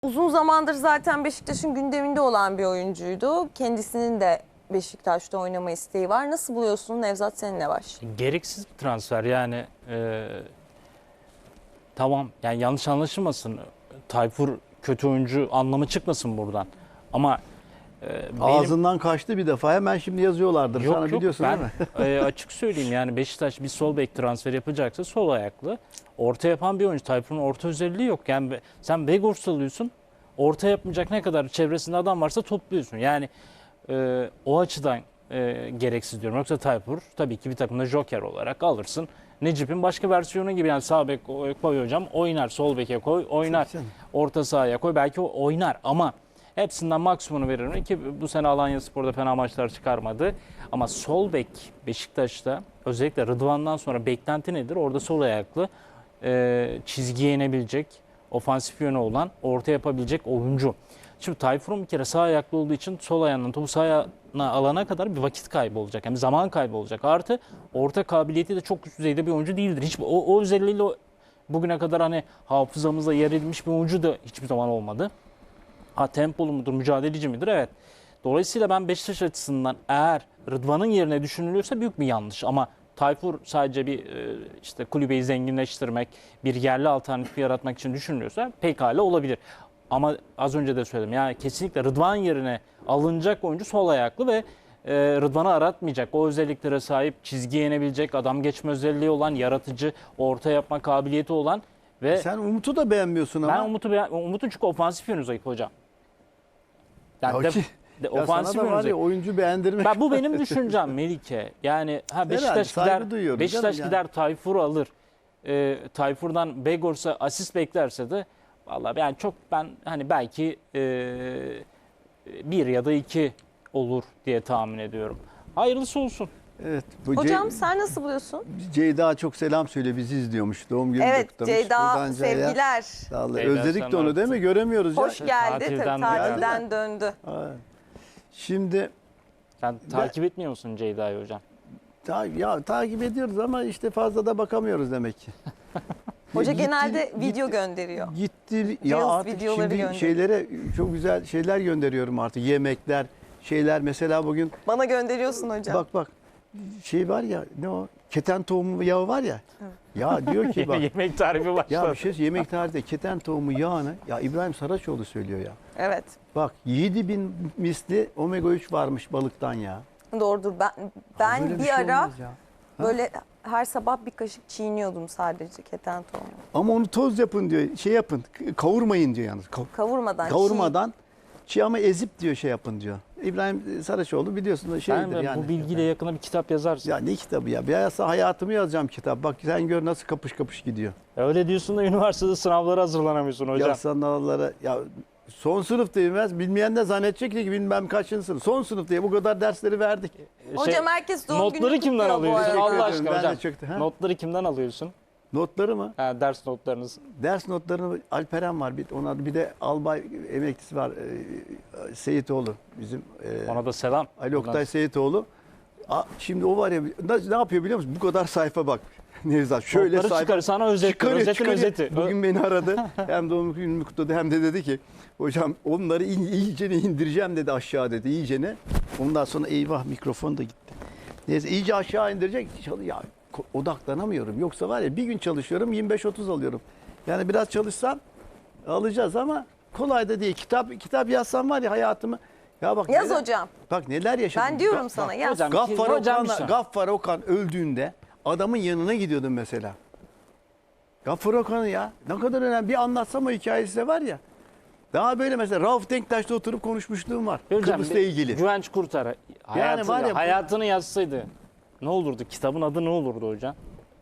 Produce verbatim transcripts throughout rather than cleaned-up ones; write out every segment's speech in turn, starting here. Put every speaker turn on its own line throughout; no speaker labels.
Uzun zamandır zaten Beşiktaş'ın gündeminde olan bir oyuncuydu. Kendisinin de Beşiktaş'ta oynama isteği var. Nasıl buluyorsun? Nevzat, seninle başlayayım.
Gereksiz bir transfer yani. E, tamam yani yanlış anlaşılmasın. Tayfur kötü oyuncu anlamı çıkmasın buradan. Ama e, benim...
Ağzından kaçtı bir defa. Hemen şimdi yazıyorlardır.
Yok,
Sana
yok,
biliyorsun
ben,
değil mi?
e, açık söyleyeyim yani Beşiktaş bir sol bek transfer yapacaksa sol ayaklı. Orta yapan bir oyuncu. Tayfur'un orta özelliği yok. Yani sen Begors alıyorsun. Orta yapmayacak ne kadar çevresinde adam varsa topluyorsun. Yani e, o açıdan e, gereksiz diyorum. Yoksa Tayfur tabii ki bir takımda joker olarak alırsın. Necip'in başka versiyonu gibi yani sağ bek koy hocam oynar, sol beke koy oynar, orta sahaya koy belki o oynar ama hepsinden maksimumunu veririm ki bu sene Alanyaspor'da fena maçlar çıkarmadı. Ama sol bek Beşiktaş'ta özellikle Rıdvan'dan sonra beklenti nedir? Orada sol ayaklı e, çizgiye inebilecek, ofansif yönü olan, orta yapabilecek oyuncu. Şimdi Tayfur'un bir kere sağ ayaklı olduğu için sol ayağından topu sağ ayağına alana kadar bir vakit kaybı olacak. Yani zaman kaybı olacak. Artı orta kabiliyeti de çok üst düzeyde bir oyuncu değildir. Hiç o, o özelliğiyle bugüne kadar hani hafızamıza yer edilmiş bir oyuncu da hiçbir zaman olmadı. Ha tempolu mudur, mücadeleci midir? Evet. Dolayısıyla ben Beşiktaş açısından eğer Rıdvan'ın yerine düşünülüyorsa büyük bir yanlış. Ama Tayfur sadece bir işte kulübeyi zenginleştirmek, bir yerli alternatif yaratmak için düşünülüyorsa pekala olabilir. Ama az önce de söyledim yani kesinlikle Rıdvan yerine alınacak oyuncu sol ayaklı ve e, Rıdvan'ı aratmayacak. O özelliklere sahip, çizgiye inebilecek, adam geçme özelliği olan, yaratıcı, orta yapma kabiliyeti olan ve
Sen Umut'u da beğenmiyorsun ama.
ben Umut'u beğen- Umut'un çünkü ofansif yönü zayıf hocam. Yani
Ya
de,
ki-
de,
Ya
ofansif
sana da
yönü
var
zayıf.
ya oyuncu beğendirmek.
Ben, bu benim düşüncem Melike. Yani ha Beşiktaş
saygı
gider,
duyuyorum
Beşiktaş
canım
gider Tayfur'u alır. E, Tayfur'dan Begors'a asist beklerse de vallahi yani çok ben hani belki e, bir ya da iki olur diye tahmin ediyorum. Hayırlısı olsun.
Evet. Bu
Hocam
Ce-
sen nasıl buluyorsun?
Ceyda çok selam söyle, bizi izliyormuş. Doğum günü
Evet
kutlamış.
Ceyda,
Buradan Ceyda,
sevgiler.
sağ ol.
Ceyda,
Özledik
sen
de onu değil mi? Göremiyoruz ya.
Hoş geldi.
Tatilden
Tabii,
geldi.
tatilden döndü.
Ha. Şimdi
Sen takip etmiyor musun Ceyda'yı hocam?
ta, ya takip ediyoruz ama işte fazla da bakamıyoruz demek ki.
Hoca
Gitti-
genelde
gitti-
video gönderiyor.
Gitti ya
Reels
artık
videoları
şimdi
gönderiyor.
şeylere çok güzel şeyler gönderiyorum artık. Yemekler, şeyler mesela bugün
Bana gönderiyorsun hocam.
bak bak şey var ya ne o? Keten tohumu yağı var ya. Ya diyor ki bak
Yemek tarifi başladı.
ya bir şey yemek tarihinde keten tohumu yağını ya İbrahim Saraçoğlu söylüyor ya.
Evet.
Bak yedi bin misli omega üç varmış balıktan ya.
Doğrudur. Ben ben
Böyle
bir,
şey
ara
olmaz ya. Ha?
böyle her sabah bir kaşık çiğniyordum sadece keten tohumu.
Ama onu toz yapın diyor. Şey yapın. Kavurmayın diyor yalnız. Kav-
Kavurmadan.
Kavurmadan çiğ ama ezip diyor şey yapın diyor. İbrahim Saraçoğlu biliyorsun da şeydir
Sen de
yani.
bu bilgiyle yakına bir kitap yazarsın.
Ya ne kitabı ya? Bir hayatımı yazacağım kitap. Bak sen gör nasıl kapış kapış gidiyor.
Öyle diyorsun da üniversitede sınavlara hazırlanamıyorsun hocam.
Ya sınavlara ya son sınıf bilmez. Bilmeyen de zannedecek ki bilmem kaçıncı sınıf. Son sınıf diye bu kadar dersleri verdik.
Hocam herkes doğum
Notları
gününü
kimden
kutluyor bu
alıyorsun?
arada.
Allah
Teşekkür
aşkına
ederim. Ben
hocam.
de çöktüm, ha?
Notları kimden alıyorsun?
Notları mı?
Ha, ders notlarınız.
Ders notlarını Alperen var. Bir, ona bir de albay emeklisi var. E, Seyitoğlu bizim. E,
Ona da selam.
Ali Oktay
Buradan-
Seyitoğlu. A, şimdi o var ya ne, ne yapıyor biliyor musun? Bu kadar sayfa bak. Nevzat şöyle
Notları
sayfa.
çıkar sana özet.
Çıkarıyor,
Özetin
çıkarıyor.
özeti.
Bugün beni aradı. Hem doğum günümü kutladı hem de dedi ki hocam onları in, iyicene indireceğim dedi aşağı dedi iyicene. Ondan sonra eyvah mikrofon da gitti. Neyse iyice aşağı indirecek. Ya ko- odaklanamıyorum. Yoksa var ya bir gün çalışıyorum yirmi beş otuz alıyorum. Yani biraz çalışsam alacağız ama kolay da değil. Kitap kitap yazsam var ya hayatımı. Ya bak
Yaz
neler-
hocam.
Bak neler yaşadım.
Ben diyorum
Ga-
sana
bak,
yaz.
Hocam,
Gaffar
hocam bir
Okan,
şey-
Gaffar Okan öldüğünde adamın yanına gidiyordum mesela. Gaffar Okan'ı ya ne kadar önemli bir anlatsam o hikayesi de var ya. Daha böyle mesela Rauf Denktaş'ta oturup konuşmuşluğum var.
Hocam,
Kıbrıs'la
bir
ilgili.
Güvenç Kurtar. Hayatı,
var ya bu-
hayatını yazsaydı ne olurdu? Kitabın adı ne olurdu hocam?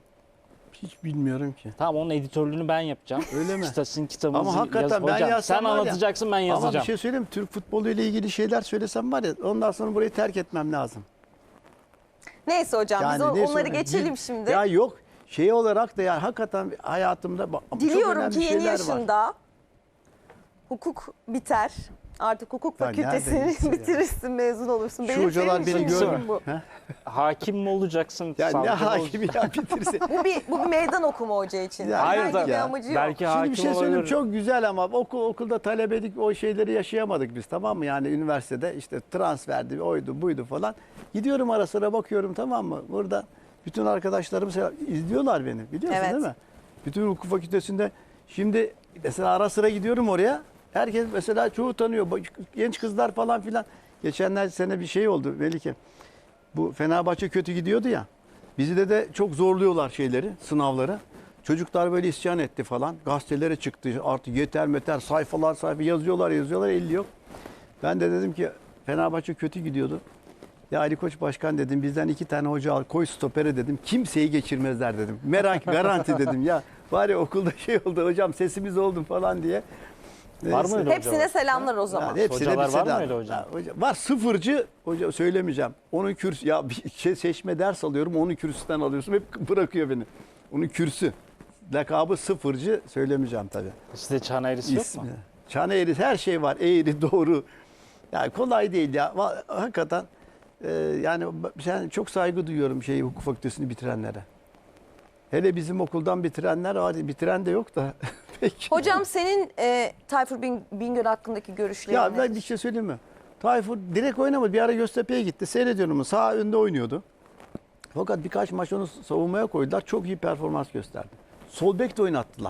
Hiç bilmiyorum ki.
Tamam onun editörlüğünü ben yapacağım.
Öyle mi?
İşte sizin kitabınızı
Ama hakikaten
yaz.
ben
Hocam,
yazsam
sen
var ya-
anlatacaksın ben
Ama
yazacağım.
bir şey söyleyeyim mi? Türk futbolu ile ilgili şeyler söylesem var ya ondan sonra burayı terk etmem lazım.
Neyse hocam biz o-
neyse,
onları
o-
geçelim
dil-
şimdi.
Ya yok şey olarak da yani hakikaten hayatımda bak- çok
Diliyorum
önemli
ki yeni
şeyler var.
yaşında hukuk biter. Artık hukuk
Ya
fakültesini
nereden
bitirirsin, mezun olursun.
Şu
Benim
hocalar
senin
beni
için
gör.
bu.
Ha?
Hakim mi olacaksın?
Ya ne
savcı mı
hakimi
olacaksın?
ya bitirse.
Bu bir, bu bir meydan okuma hoca için.
Ya
Hayır
Herhangi
tabii
bir
ya.
amacı yok.
Belki
Şimdi
hakim
bir şey söyleyeyim,
olabilir.
çok güzel ama okul okulda talebelik o şeyleri yaşayamadık biz, tamam mı? Yani üniversitede işte transferdi, oydu buydu falan. Gidiyorum ara sıra bakıyorum, tamam mı? Burada bütün arkadaşlarım selam- izliyorlar beni, biliyorsun
Evet.
değil mi? Bütün hukuk fakültesinde şimdi mesela ara sıra gidiyorum oraya. Herkes mesela çoğu tanıyor. Bak, genç kızlar falan filan. Geçenler sene bir şey oldu Melike. Bu Fenerbahçe kötü gidiyordu ya. Bizi de de çok zorluyorlar şeyleri, sınavları. Çocuklar böyle isyan etti falan. Gazetelere çıktı. Artık yeter meter sayfalar sayfa yazıyorlar yazıyorlar, elli yok. Ben de dedim ki Fenerbahçe kötü gidiyordu. Ya Ali Koç Başkan dedim, bizden iki tane hoca al, koy stopere dedim. Kimseyi geçirmezler dedim. Merak garanti dedim ya. Var ya okulda şey oldu hocam, sesimiz oldu falan diye.
Var
Neyse.
mıydı
Hepsine
hocalar?
selamlar o zaman.
Yani hepsine
Hocalar
bir
var
selam.
mıydı hocam?
Ya hoca- var, sıfırcı hoca, söylemeyeceğim. Onun kürsü ya bir şey seçme ders alıyorum, onun kürsüsten alıyorsun, hep bırakıyor beni. Onun kürsü. Lakabı sıfırcı, söylemeyeceğim tabii.
Sizde çan eğrisi yok mu?
İsmi. Çan eğri, her şey var. Eğri, doğru. Yani kolay değil ya. Va- Hakikaten e, yani ben çok saygı duyuyorum şeyi, hukuk fakültesini bitirenlere. Hele bizim okuldan bitirenler var. Bitiren de yok da. Peki.
Hocam senin e, Tayfur Bin- Bingöl hakkındaki görüşlerin
Ya
nedir?
ben bir şey söyleyeyim mi? Tayfur direkt oynamadı. Bir ara Göztepe'ye gitti. Seyrediyorum. Sağ önde oynuyordu. Fakat birkaç maç onu savunmaya koydular. Çok iyi performans gösterdi. Sol bek de oynattılar.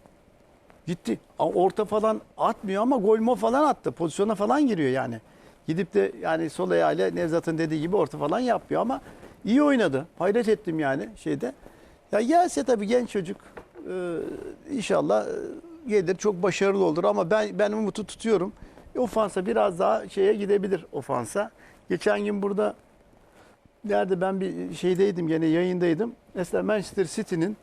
Gitti. Orta falan atmıyor ama gol mo falan attı. Pozisyona falan giriyor yani. Gidip de yani sol ayağıyla Nevzat'ın dediği gibi orta falan yapıyor ama iyi oynadı. Hayret ettim yani şeyde. Ya gelse tabii genç çocuk e, inşallah e, gelir, çok başarılı olur ama ben ben umutu tutuyorum. Ofansa biraz daha şeye gidebilir, ofansa. Geçen gün burada nerede ben bir şeydeydim, gene yayındaydım. Mesela Manchester City'nin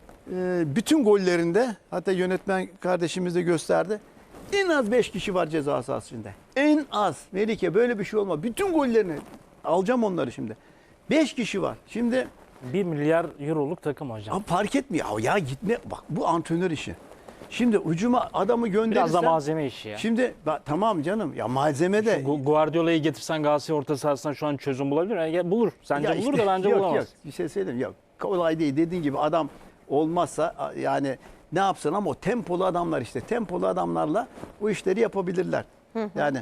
e, bütün gollerinde, hatta yönetmen kardeşimiz de gösterdi, en az beş kişi var ceza sahasında. En az. Melike, böyle bir şey olma. Bütün gollerini alacağım onları şimdi. beş kişi var. Şimdi
bir milyar euroluk takım hocam.
Abi fark etmiyor. Ya, ya gitme. Bak bu antrenör işi. Şimdi hücuma adamı gönderirsen.
Biraz da malzeme işi ya.
Şimdi bak, tamam canım. Ya malzeme de.
Gu- Guardiola'yı getirsen Galatasaray orta sahasına şu an çözüm bulabilir mi? Ya bulur. Sence
Ya
bulur
işte,
da bence
yok,
bulamaz.
Yok bir şey söyleyeyim. Yok. Kolay değil. Dediğin gibi adam olmazsa yani ne yapsın, ama o tempolu adamlar işte. Tempolu adamlarla bu işleri yapabilirler. Yani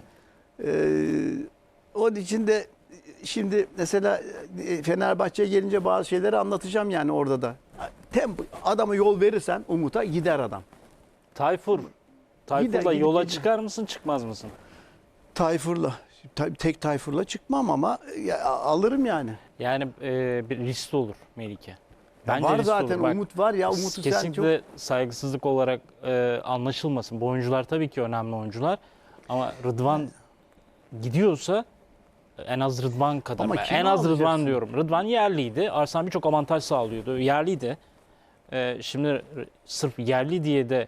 e, onun için de şimdi mesela e, Fenerbahçe'ye gelince bazı şeyleri anlatacağım yani orada da. Tempo, adama yol verirsen Umut'a gider adam.
Tayfur. Tayfur'la
Gider, gidip
yola
gider.
çıkar mısın çıkmaz mısın?
Tayfur'la, ta- tek Tayfur'la çıkmam ama ya, alırım yani.
Yani e, bir riskli olur Melike.
Ya var
riskli
zaten
olur. Bak,
Umut var ya, Umut'u sen çok...
kesinlikle saygısızlık olarak e, anlaşılmasın. Bu oyuncular tabii ki önemli oyuncular. Ama Rıdvan gidiyorsa en az Rıdvan kadar.
Ama
Ben
kimi
en az
alacaksın?
Rıdvan diyorum. Rıdvan yerliydi. Arslan birçok avantaj sağlıyordu. Yerliydi. E, şimdi r- sırf yerli diye de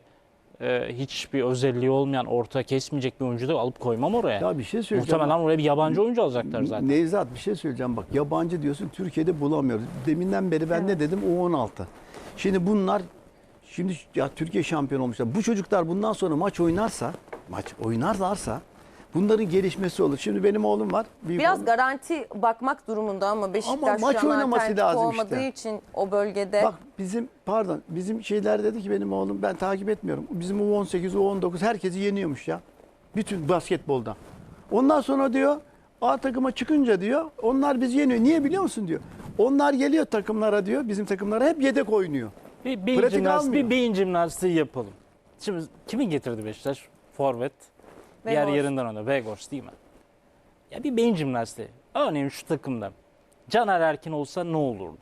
e, hiçbir özelliği olmayan, orta kesmeyecek bir oyuncu da alıp koymam oraya.
Ya bir şey söyleyeceğim.
Muhtemelen oraya bir yabancı oyuncu alacaklar zaten.
Nevzat, bir şey söyleyeceğim bak. Yabancı diyorsun, Türkiye'de bulamıyoruz. Deminden beri ben ne dedim? O on altı. Şimdi bunlar, şimdi ya Türkiye şampiyon olmuşlar. Bu çocuklar bundan sonra maç oynarsa, maç oynarlarsa bunların gelişmesi olur. Şimdi benim oğlum var. büyük
Biraz
oğlum.
garanti bakmak durumunda ama Beşiktaş
Ama maç
şu an
oynaması
alternatif
lazım
olmadığı
işte.
için o bölgede.
Bak bizim, pardon, bizim şeyler dedi ki benim oğlum, ben takip etmiyorum. Bizim U on sekiz, U on dokuz herkesi yeniyormuş ya. Bütün basketbolda. Ondan sonra diyor A takıma çıkınca diyor onlar bizi yeniyor. Niye biliyor musun diyor. Onlar geliyor takımlara diyor. Bizim takımlara hep yedek oynuyor.
Bir beyin,
Pratik
jimnastiği,
almıyor.
bir beyin jimnastiği yapalım. Şimdi kimin getirdi Beşiktaş? Forvet. Diğer
Weghorst.
yerinden ona. Weghorst değil mi? Ya bir beyin jimnastiği. Örneğin şu takımda Caner Erkin olsa ne olurdu?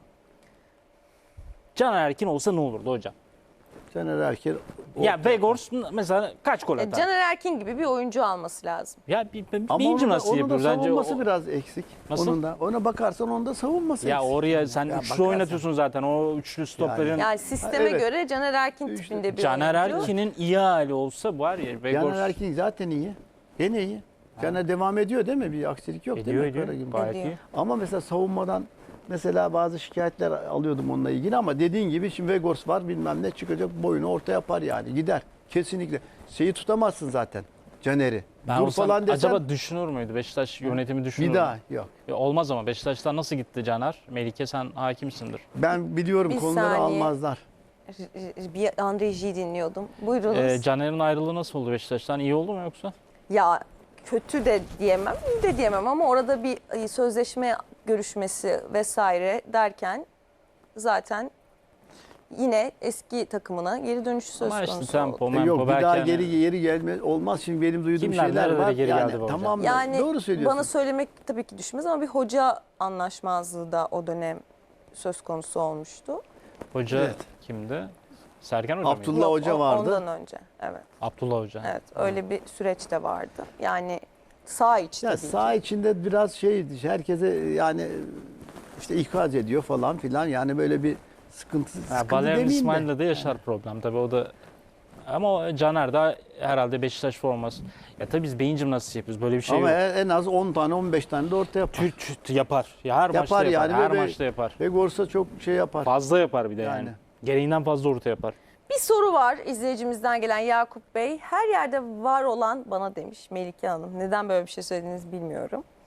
Caner Erkin olsa ne olurdu hocam?
Caner Erkin.
Ya Weghorst mesela kaç gol
E,
atar?
Caner Erkin gibi bir oyuncu alması lazım.
Ya bir, bir
Ama
beyin
onun da,
jimnastiği
onun da
yapıyoruz. Bence
savunması
o-
biraz eksik.
Nasıl?
Onun da, ona bakarsan onun da savunması
Ya
eksik.
oraya sen
Ya
üçlü
bakarsan.
oynatıyorsun zaten. O üçlü stopların.
Yani sisteme
evet.
göre Caner Erkin
İşte
tipinde bir
Caner
oyuncu.
Erkin'in iyi hali olsa var ya. Weghorst
Caner Erkin zaten iyi. Gene iyi. Caner devam ediyor değil mi? Bir aksilik yok
ediyor
değil mi?
ediyor.
Karagümrük?
Gayet
Ediyor.
iyi.
Ama mesela savunmadan mesela bazı şikayetler alıyordum onunla ilgili ama dediğin gibi şimdi Weghorst var, bilmem ne çıkacak, boyunu orta yapar yani, gider. Kesinlikle. Şeyi tutamazsın zaten. Caner'i.
Ben
Dur
olsam
falan desem
acaba düşünür müydü? Beşiktaş yönetimi düşünür
bir
mü?
daha yok.
Ya olmaz ama Beşiktaş'tan nasıl gitti Caner? Melike sen hakimsindir.
Ben biliyorum
Bir
konuları
saniye.
almazlar.
Bir Andreji'yi dinliyordum. Buyurunuz.
Ee, Caner'in ayrılığı nasıl oldu Beşiktaş'tan? İyi oldu mu yoksa?
Ya kötü de diyemem, iyi de diyemem ama orada bir e, sözleşme görüşmesi vesaire derken zaten yine eski takımına geri dönüşü söz
Ama
konusu
işte tempo,
oldu.
E
mempo
yok bir
belki
daha
hani-
geri geri gelme olmaz. Şimdi benim duyduğum
Kimler,
şeyler
nerelere
var.
geri
yani,
geldi bu hocam?
tamam mı?
Yani
Doğru söylüyorsun.
bana söylemek tabii ki düşmez ama bir hoca anlaşmazlığı da o dönem söz konusu olmuştu.
Hoca
Evet.
kimdi? Sergen Hoca mıydı?
Abdullah Hoca
o-
vardı.
Ondan önce. Evet.
Abdullah Hoca.
Evet. Öyle bir süreç de vardı. Yani sağ iç
Ya
tabii
saha
ki.
içinde biraz şey herkese yani işte ikaz ediyor falan filan yani böyle bir sıkıntı,
Ha,
sıkıntı
Valerian
demeyeyim de.
İsmail'le de yaşar problem tabii o da. Ama o Caner de herhalde Beşiktaş forması. Ya tabii biz beyin jimnastiği yapıyoruz. Böyle bir şey
Ama
yok.
en en az on tane on beş tane de orta yapar.
Tüt tüt yapar. Ya her
Yapar
maçta yapar.
yani
Her
ve-
maçta yapar.
Ve Gorsa çok şey yapar.
Fazla yapar bir de yani.
Yani.
Gereğinden fazla orta yapar.
Bir soru var izleyicimizden gelen Yakup Bey. Her yerde var olan bana demiş Melike Hanım. Neden böyle bir şey söylediğinizi bilmiyorum.